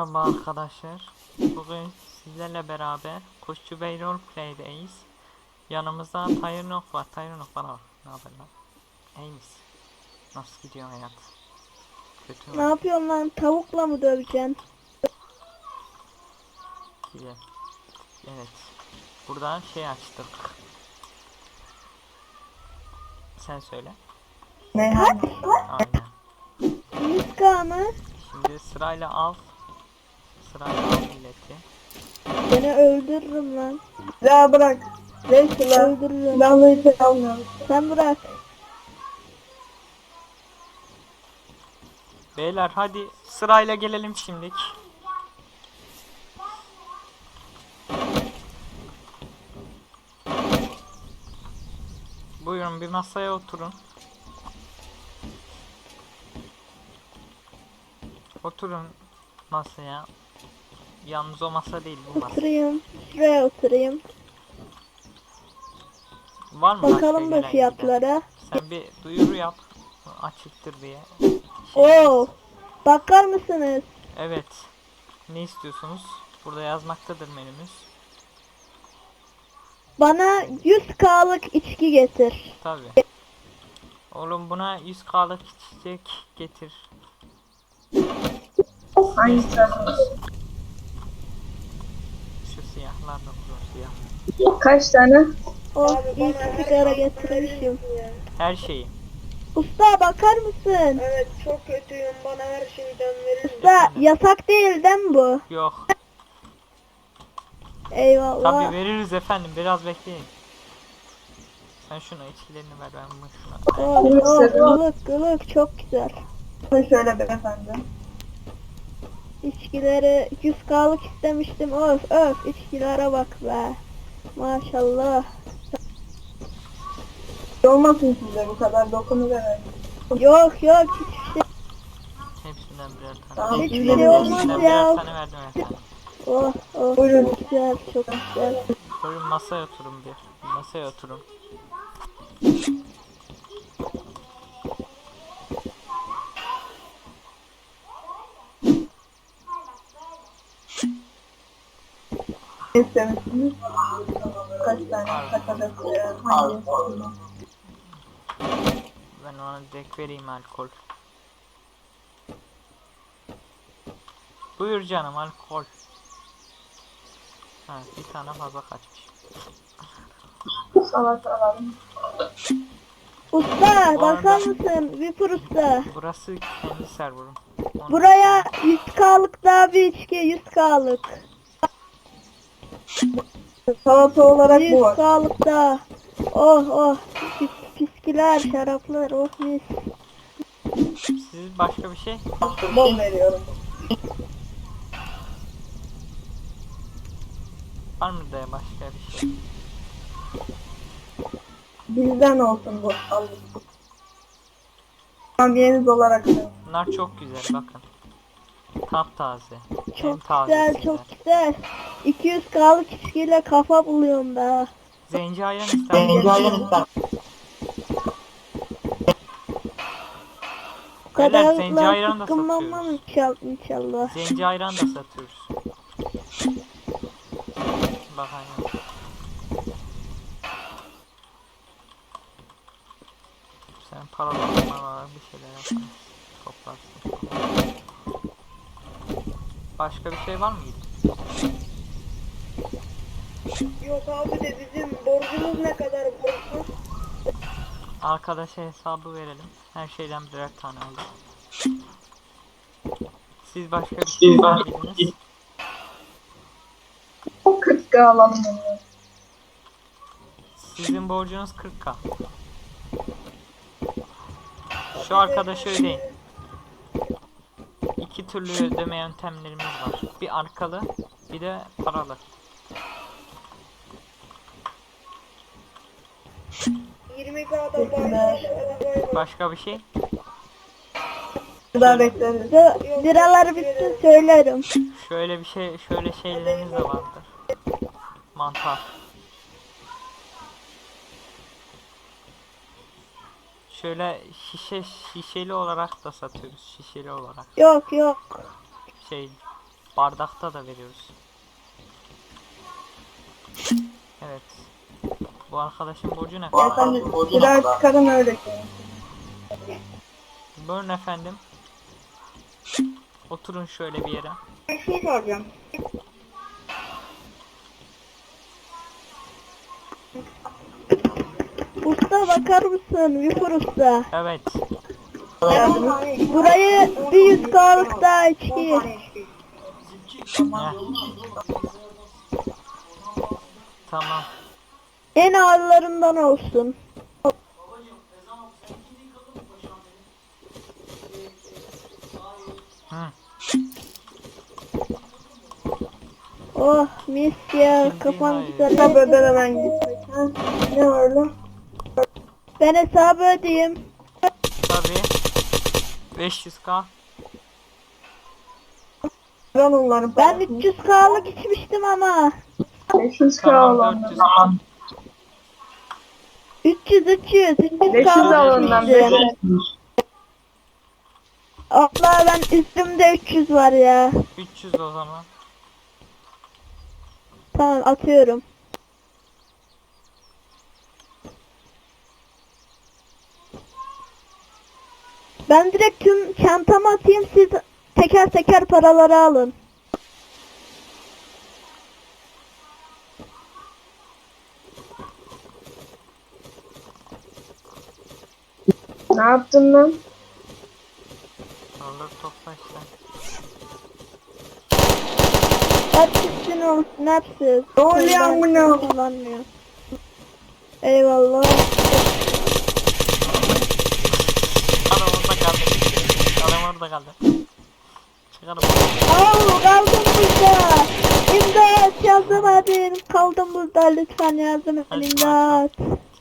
Merhaba arkadaşlar. Bugün sizlerle beraber Kuşçu Bey Roleplay'deyiz. Yanımızda Tayyurnok var. Tayyurnok bana bak. Ne haber lan? İyi misin? Nasıl gidiyor hayat? Kötü Ne mü? yapıyorsun lan? Tavukla mı döveceksin? Güzel. Evet. Buradan şey açtık. Sen söyle. Kaç? Aynen. 100k mı? Şimdi sırayla al. Sırayla al milleti. Seni öldürürüm lan. Ya bırak. Neyse lan. Öldürürüm. Ben bunu hiç almıyorum. Sen bırak. Beyler hadi sırayla gelelim şimdilik. Buyurun bir masaya oturun. Oturun masaya. Yalnız o masa değil bu masa. Oturayım. Şuraya oturayım. Var mı başka Bakalım gelen da giden? fiyatlara. Sen bir duyuru yap. Açıktır diye. Oo. Bakar mısınız? Evet. Ne istiyorsunuz? Burada yazmaktadır menümüz. Bana 100k'lık içki getir. Tabi. Oğlum buna 100k'lık içecek getir. Hangisi? Şu siyahlar da olur siyah. Kaç tane? Oh, ilk sigara getirmişim. Her şeyi. Usta bakar mısın? Evet çok kötüyüm. Bana her şeyden verin. Usta yasak değil mi bu? Yok. Eyvallah. Tabi veririz efendim. Biraz bekleyin. Sen şuna içkilerini ver ben bunu şuna. Oh, ılık çok güzel. Şöyle beyefendi. İçkileri 100k'lık istemiştim. Öf içkilere bak be. Maşallah. Olmasın size bu kadar dokunu verin. Yok hiçbir şey. Hepsinden birer tane. Tamam, Hiçbir şey olmaz Hepsinden ya. birer tane verdim efendim. Buyurun. Çok güzel çok güzel. Buyurun masaya oturun bir. Masaya oturun. Ne istemişsiniz? Kaç tane? Kaç adet? Hangi? Ben ona direkt vereyim alkol. Buyur canım alkol. Ha, bir tane fazla kaçmış. Salata alalım. Usta Bu bakar arada- mısın? Vipur usta. Burası kendi serverum. Onu- Buraya 100k'lık daha bir içki 100k'lık. Salata olarak bu var. 100k'lık daha. Oh piskiler şaraplar oh mis. Siz başka bir şey? Bol veriyorum. Var mı da başka bir şey? Bizden olsun bu. Alın. Hamiyeniz olarak da. Bunlar çok güzel bakın. Taptaze. En Çok tazesinden. güzel çok güzel. 200k'lık içkiyle kafa buluyorum da. Zenci ayran ister misin? Bu Beyler, zenci kadarla ayran da sıkılmam satıyoruz. inşallah. Zenci ayran da satıyoruz. Bak aynen. Sen paralar bir şeyler yaparsın. Toplarsın. Başka bir şey var mı? Yok abi de bizim borcumuz ne kadar borcumuz? Arkadaşa hesabı verelim. Her şeyden birer tane aldık. Siz başka bir şey istediniz. 40 alalım onu. Sizin borcunuz 40k. Şu arkadaşı ödeyin. İki türlü ödeme yöntemlerimiz var. Bir arkalı, bir de paralı. 20k'dan bahsediyoruz. Başka bir şey? Daha bekleriz. Liraları bitsin söylerim. Şöyle bir şey, şöyle şeylerimiz de vardır. Mantar. Şöyle şişeli olarak da satıyoruz. Şişeli olarak. Yok Şey, Bardakta da veriyoruz. Evet. Bu arkadaşın borcu ne kadar? Efendim silah çıkarın öyle. Buyurun efendim. Oturun şöyle bir yere. Bir şey soracağım. Usta bakar mısın? Viper usta. Evet. Burayı bir 100K'lık daha içki. Heh. Tamam. En ağırlarından olsun. Hı. Oh mis ya, Şimdi kafam hayır. güzel. Hesap ödemeden gitsek. Ha? Ne var lan? Ben hesabı ödeyeyim. Tabii. 500k. Ben onların Ben 300K'lık içmiştim ama. 500 Tamam olan. 400. 300 500 300K'lık alından içmiştim. Allah ben üstümde 300 var ya. 300 o zaman. Tamam atıyorum. Ben direkt tüm çantama atayım, siz teker teker paraları alın. Ne yaptın lan? Paraları topla işte. Hepsini olsun hepsi. Ne oluyor Ben amına? kullanmıyor. Eyvallah. Adam orada kaldı. Adam orada kaldı. Çıkarım. Au kaldım burada. İmdat yardım edin. Kaldım burada, lütfen yardım edin. Hadi İmdat.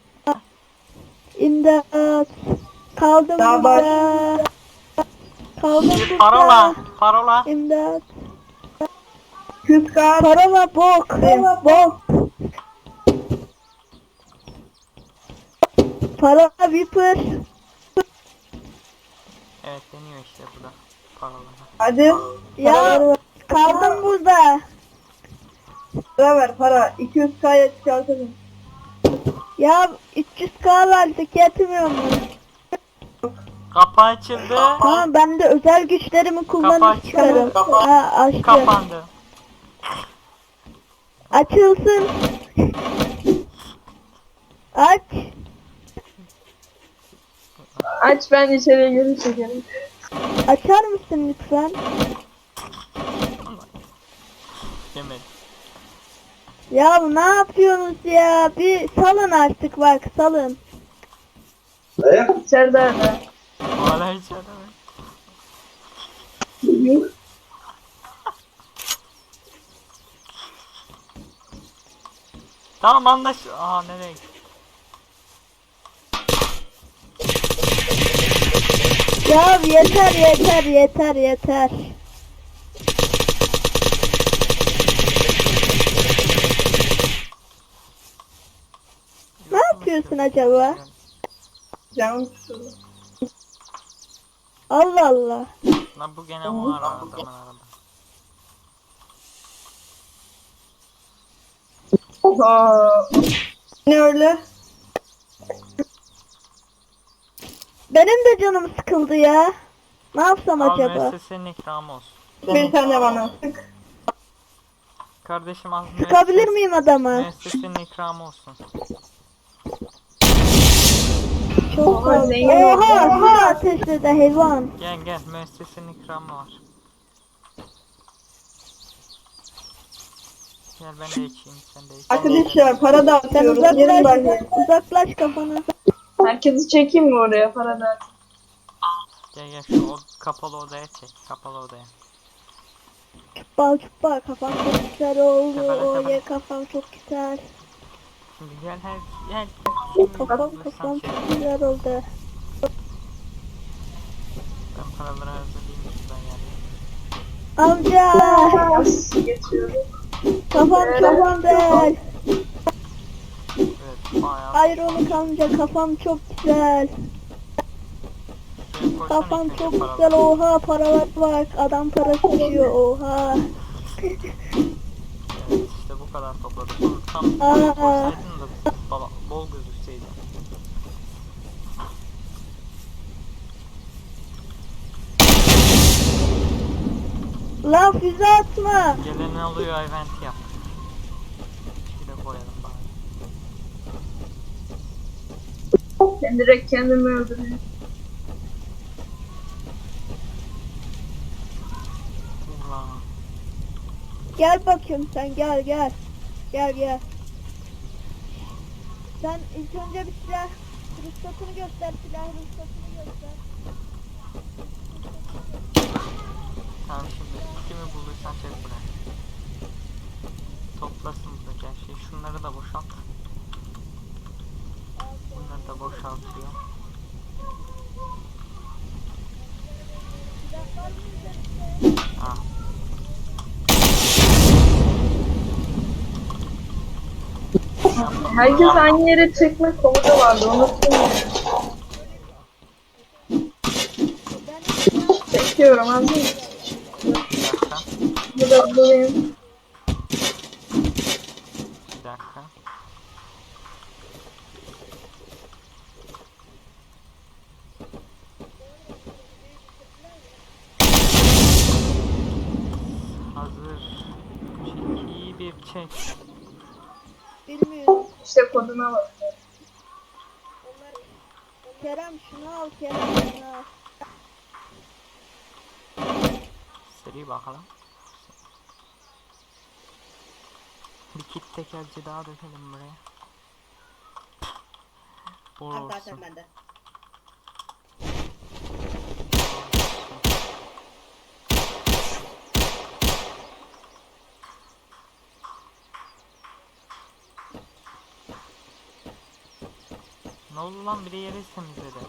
İmdat. Kaldım Daha burada. Kaldım burada. Parola. Parola. İmdat. 100k. Parola bok. Bok. Parola Viper. Evet deniyor işte bu da. Parola. Hadi. Ya kaldım burada. Para ver para. 200k'ya çıkartalım. Ya 300K verdik, yetmiyor mu? Kapı açıldı. Tamam ben de özel güçlerimi kullanıp Kapat. çıkarım. Ha açtı. Kapandı. Açılsın. Aç. Aç, ben içeriye geri çekerim. Açar mısın lütfen? Yemedim. Ya ne yapıyorsunuz ya? Bir salın artık, bak salın. İçeride öyle. Hala içeride mi? Tamam anlaş. Aha nereye gitti? Ya yeter yeter yeter yeter. Ne yapıyorsun acaba? Canım sıkıldı. Allah Allah. Lan bu gene var adamın arada. Aa. Ne öyle? Benim de canım sıkıldı ya. Ne yapsam Al acaba? müessesenin ikramı olsun. Bir tane bana sık. Kardeşim al Sıkabilir miyim adamı? müessesenin ikramı olsun. Çok Oha, fazla. zengin Oha, oldu. su ateşledi hayvan. Gel gel müessesenin ikramı var. Gel ben de içeyim sen de iç. Arkadaşlar para da Sen atıyoruz. Gelin uzaklaş, bakayım. uzaklaş kafanı. Herkesi çekeyim mi oraya para da? Gel gel şu kapalı odaya çek. Kapalı odaya. Çubbal çubbal, kafam çok güzel oldu. Tepele, tepele. Oye kafam çok güzel. Şimdi gel gel. Kafam Sen çek. çok güzel oldu. Ben paraları hazırlayayım şuradan yani. Amca Nasıl geçiyorum? kafam çok güzel. Evet bayağı. Hayır onu amca, kafam çok güzel. Şuraya koy koysana Kafam ilk önce çok paraları. güzel, oha paralar bak, adam parası düşüyor, oha. Evet işte bu kadar topladık. Bunu tam Aa. koysaydın da bol gözükseydi. Lan füze atma. Gelen oluyor event yap. Şöyle koyalım bari. Ben direkt kendimi öldürüyorum. Ulan. Gel bakayım sen, gel gel. Gel gel. Sen ilk önce bir silah ruhsatını göster, silah ruhsatını göster. Tamam şimdi kimi bulduysan çek buraya. Toplasın buradaki her şeyi. Şunları da boşalt. Bunları da boşaltıyor. Silah var mı üzerinde? Ha. Herkes aynı yere çekme komutu vardı. Unuttum ya. Ben silah Çekiyorum abi. Bir dakika. Burada bulayım. Bir dakika. Hazır. Çeki bir çek. bilmiyorum. İşte koduna bak. Kerem şunu al, Kerem şunu al. Seri bakalım. Bir kit tekerci daha dökelim buraya. Bol olsun. bende. Ne oldu lan, biri yeri temizledi.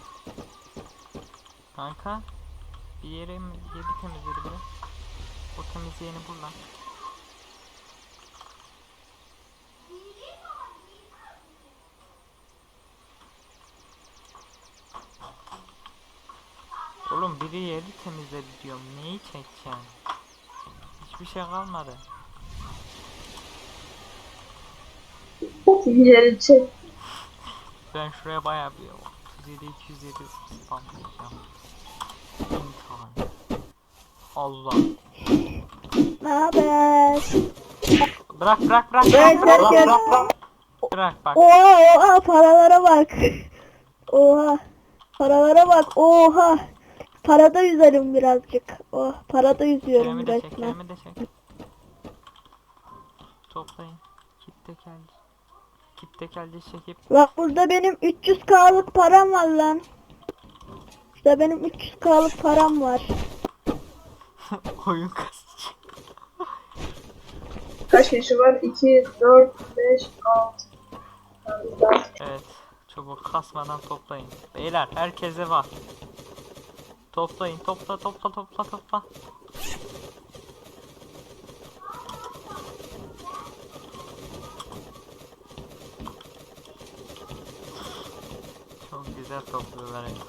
Kanka bir yeri temizledi biri. O temizleyeni bul lan. Oğlum biri yeri temizledi diyorum. Neyi çekeceğim? Hiçbir şey kalmadı. Yeri çek. Ben şuraya bayağı bir 37 207 spamlayacağım. 1000 tane. Allah. Ne haber? Bırak bırak bırak Ben bırak derken... bırak bak. Oha oha paralara bak. Oha. Paralara bak. Oha. Parada yüzerim birazcık. Oh, parada yüzüyorum Kerem'i de çek, resmen. Kerem'i de çek. Toplayın. Kit tekelci. Kit tekelci çekip Bak burada benim 300K'lık param var lan. İşte benim 300K'lık param var. oyun kasacak. Kaç kişi var? 2, 4, 5, 6. Evet. Çabuk kasmadan toplayın. Beyler herkese var. Toplayın, topla. Çok güzel topluyorlar ya.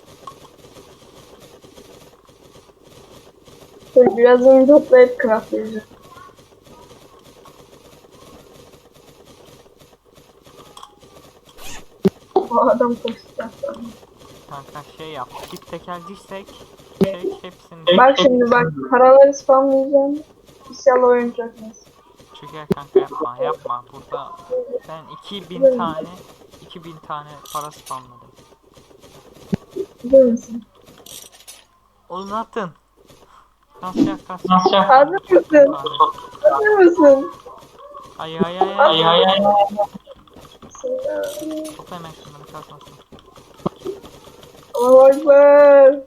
Biraz onu toplayıp craftlayacağım. O adam koşacak. Kanka şey yap. Kit tekelciysek çek hepsini. Bak şimdi bak paraları spamlayacağım. İnşallah oyun çökmez. Çöker kanka, yapma. Burada ben 2000 tane para spamladım. Biliyor musun? Oğlum atın. Kasacak. Hazır mısın? Hazır mısın? Ay. Topla hemen şunları, kasmasın. Allahu Ekber.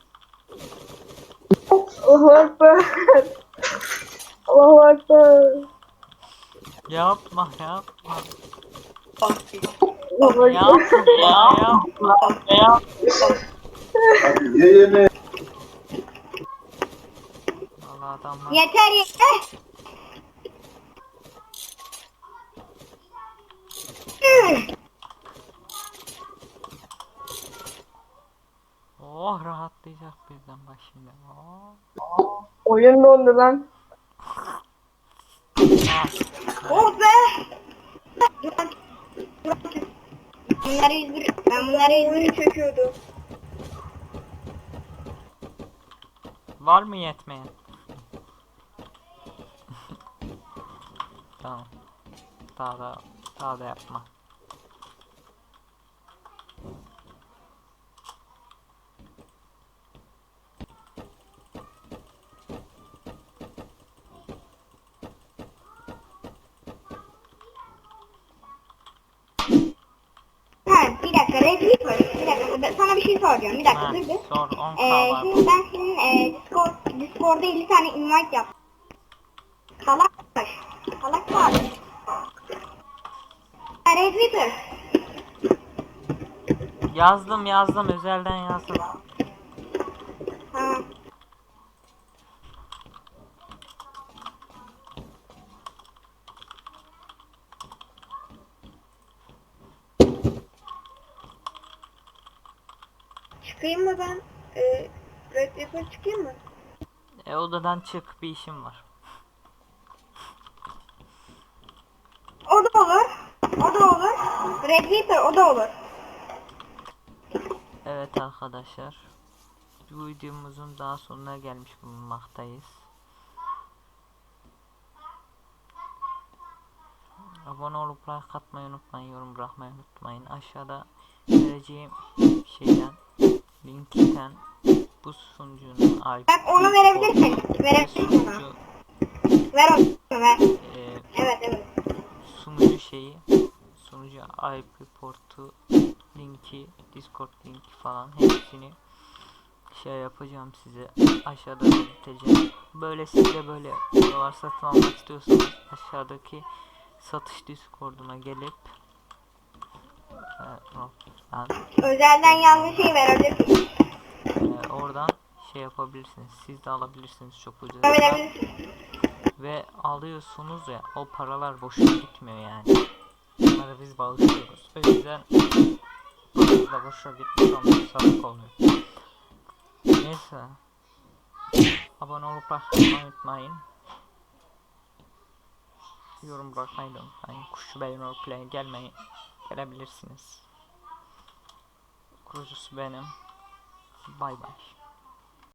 Allahu Ekber. Allahu Ekber. Yapma. Allahu Ekber. Yapma. Vallahi adamlar. Yeter. Oh Birden bak şimdi. Oyun dondu lan. Oh be! Bunları 101. Ben bunları 101. Oyunu çekiyordu. Var mı yetmeyen? Tamam. Daha da yapma. Ha, bir dakika Red Reaper. Bir dakika sana bir şey soracağım. Bir dakika Ha, dur bir. sor 10k var. Şimdi ben senin Discord'da 50 tane invite yap. Salak. Salak var. Ha, Red Reaper. Yazdım özelden yazdım. Ha. Çıkayım mı ben? Red Reaper çıkayım mı? Odadan çık, bir işim var. O da olur. O da olur. Red Reaper o da olur. Evet arkadaşlar. Bu videomuzun daha sonuna gelmiş bulunmaktayız. Abone olup like atmayı unutmayın, yorum bırakmayı unutmayın. Aşağıda vereceğim şeyden, linkten bu sunucunun IP Bak onu verebilirsin. ve Verebilirsin ona. sunucu Ver onu ver. e, Evet. sunucu şeyi, sunucu IP portu, linki, Discord linki falan hepsini şey yapacağım size, aşağıda belirteceğim. Böyle siz de böyle videolar satın almak istiyorsanız aşağıdaki satış Discord'una gelip ben, Özelden yazdığı şeyi verebilirsin. oradan şey yapabilirsiniz. Siz de alabilirsiniz çok ucuz. Verebilirsin. Ve alıyorsunuz ya, o paralar boşuna gitmiyor yani. Bunları biz bağışlıyoruz. O yüzden paranız da boşuna gitmiş olmuyor, sağlık olmuyor. Neyse. Abone olup like unutmayın. Yorum bırakmayı da unutmayın. Kuşçu Bey Roleplay'e gelebilirsiniz. Kurucusu benim. Bay bay.